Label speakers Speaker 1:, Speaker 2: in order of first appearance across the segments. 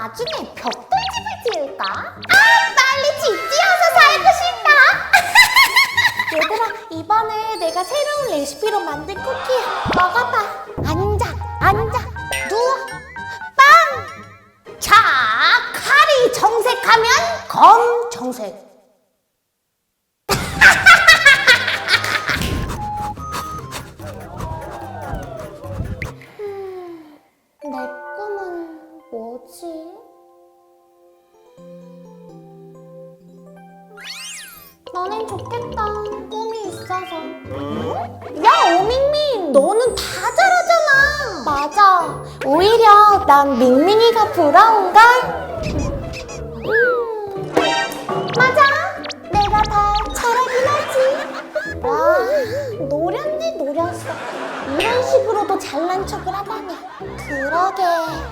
Speaker 1: 나중에 벽돌집을 지을까? 빨리 집 지어서 살고 싶다. 얘들아, 이번에 내가 새로운 레시피로 만든 쿠키야. 먹어봐. 앉아, 누워, 빵! 자, 칼이 정색하면 검정색. 내 꿈은 뭐지? 너넨 좋겠다. 꿈이 있어서. 야, 오밍밍! 너는 다 잘하잖아. 맞아. 오히려 난 밍밍이가 부러운걸? 맞아. 내가 다 잘하긴 하지. 와, 노렸네, 노렸어. 이런 식으로도 잘난 척을 하다니. 그러게.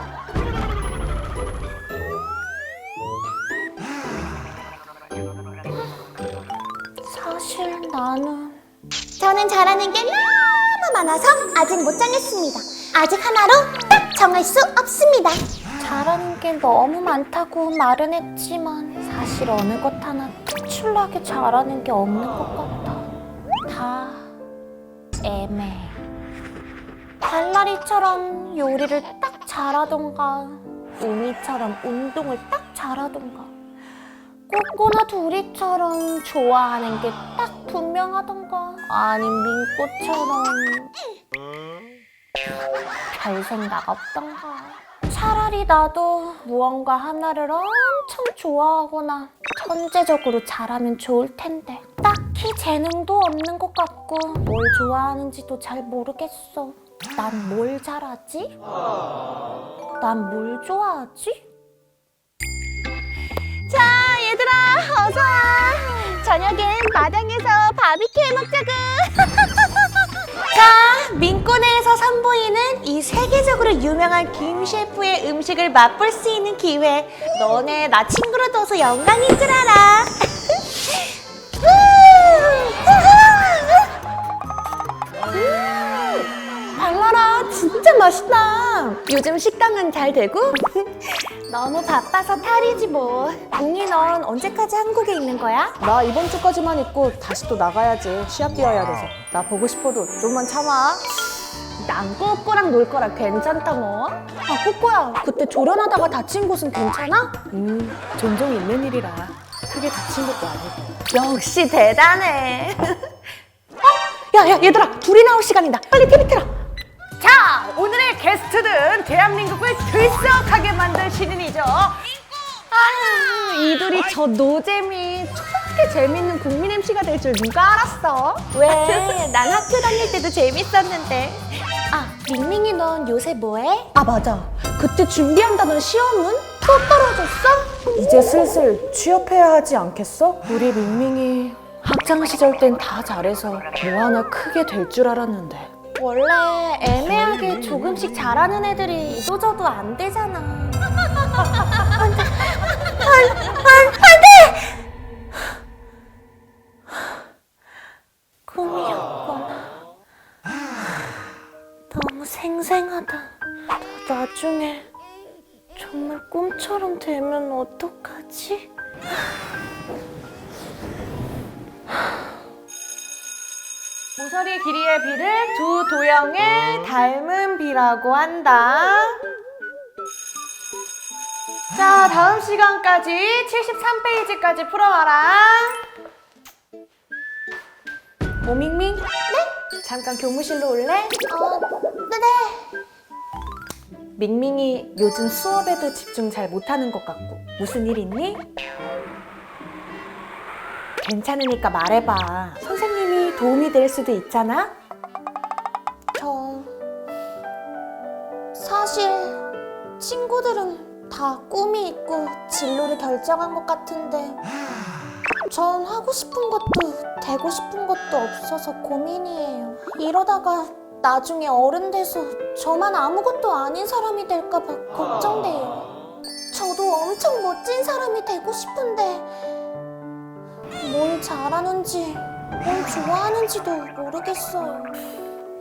Speaker 1: 사실 저는 잘하는 게 너무 많아서 아직 못 정했습니다. 아직 하나로 딱 정할 수 없습니다. 잘하는 게 너무 많다고 말은 했지만 사실 어느 것 하나 특출나게 잘하는 게 없는 것 같아. 다 애매해. 달라리처럼 요리를 딱 잘하던가 우미처럼 운동을 딱 잘하던가 꼬꼬나 둘이처럼 좋아하는 게 딱 분명하던가 아님 민꼬처럼 별 생각 없던가. 차라리 나도 무언가 하나를 엄청 좋아하거나 천재적으로 잘하면 좋을 텐데 딱히 재능도 없는 것 같고 뭘 좋아하는지도 잘 모르겠어. 난 뭘 잘하지? 난 뭘 좋아하지? 자, 얘들아, 어서 와. 저녁엔 마당에서 바비큐 해먹자구. 자, 민꼬네에서 선보이는 이 세계적으로 유명한 김 셰프의 음식을 맛볼 수 있는 기회. 너네 나 친구로 둬서 영광인 줄 알아. 발라라, 진짜 맛있다. 요즘 식당은 잘 되고? 너무 바빠서 탈이지 뭐. 언니, 넌 언제까지 한국에 있는 거야?
Speaker 2: 나 이번 주까지만 있고 다시 또 나가야지. 시합 뛰어야 돼서. 나 보고 싶어도 좀만 참아.
Speaker 1: 난 꼬꼬랑 놀 거라 괜찮다 뭐. 아, 꼬꼬야, 그때 조련하다가 다친 곳은 괜찮아?
Speaker 2: 종종 있는 일이라 크게 다친 것도 아니고.
Speaker 1: 역시 대단해. 야, 얘들아, 둘이 나올 시간이다. 빨리 TV 틀어.
Speaker 3: 자, 오늘의 게스트는 대한민국을 들썩하게 만든 신인이죠.
Speaker 1: 이 둘이 저 노잼이 저렇게 재밌는 국민 MC가 될 줄 누가 알았어? 왜? 난 학교 다닐 때도 재밌었는데. 아, 밍밍이 넌 요새 뭐해? 아, 맞아. 그때 준비한다던 시험은 또 떨어졌어?
Speaker 2: 이제 슬슬 취업해야 하지 않겠어? 우리 밍밍이 학창 시절 땐 다 잘해서 뭐 하나 크게 될 줄 알았는데.
Speaker 1: 원래 애매하게 조금씩 잘하는 애들이 이도저도 안 되잖아. 안 돼! 꿈이었구나. 너무 생생하다. 나중에 정말 꿈처럼 되면 어떡하지?
Speaker 3: 모서리 길이의 비를 두 도형의 닮은 비라고 한다. 자, 다음 시간까지 73페이지까지 풀어와라.
Speaker 2: 오밍밍?
Speaker 1: 네?
Speaker 2: 잠깐 교무실로 올래?
Speaker 1: 네.
Speaker 2: 밍밍이 요즘 수업에도 집중 잘 못하는 것 같고 무슨 일 있니? 괜찮으니까 말해봐. 선생님이 도움이 될 수도 있잖아?
Speaker 1: 사실 친구들은 다 꿈이 있고 진로를 결정한 것 같은데 전 하고 싶은 것도 되고 싶은 것도 없어서 고민이에요. 이러다가 나중에 어른 돼서 저만 아무것도 아닌 사람이 될까 봐 걱정돼요. 저도 엄청 멋진 사람이 되고 싶은데 뭘 잘하는지 뭘 좋아하는지도 모르겠어요.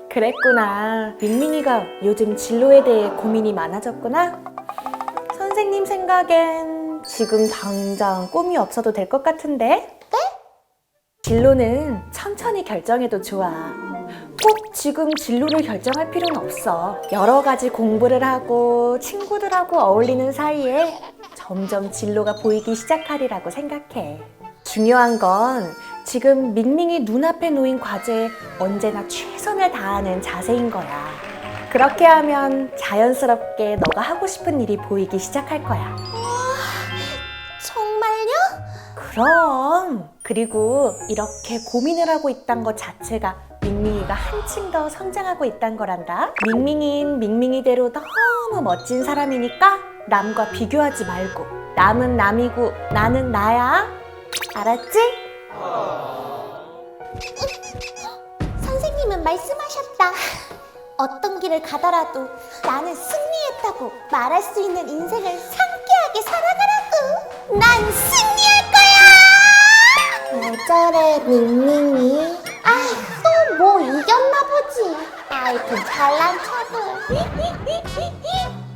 Speaker 2: 그랬구나. 밍밍이가 요즘 진로에 대해 고민이 많아졌구나. 선생님 선생님 생각엔 지금 당장 꿈이 없어도 될 것 같은데? 네? 진로는 천천히 결정해도 좋아. 꼭 지금 진로를 결정할 필요는 없어. 여러 가지 공부를 하고 친구들하고 어울리는 사이에 점점 진로가 보이기 시작하리라고 생각해. 중요한 건 지금 밍밍이 눈앞에 놓인 과제에 언제나 최선을 다하는 자세인 거야. 그렇게 하면 자연스럽게 너가 하고 싶은 일이 보이기 시작할 거야.
Speaker 1: 정말요?
Speaker 2: 그럼. 그리고 이렇게 고민을 하고 있단 것 자체가 밍밍이가 한층 더 성장하고 있단 거란다. 밍밍이인 밍밍이대로 너무 멋진 사람이니까 남과 비교하지 말고 남은 남이고 나는 나야. 알았지?
Speaker 1: 선생님은 말씀하셨다. 어떤 길을 가더라도 나는 승리했다고 말할 수 있는 인생을 상쾌하게 살아가라고. 난 승리할 거야! 왜 저래, 밍밍이? 또 뭐 이겼나 보지. 아이고, 잘난 척을.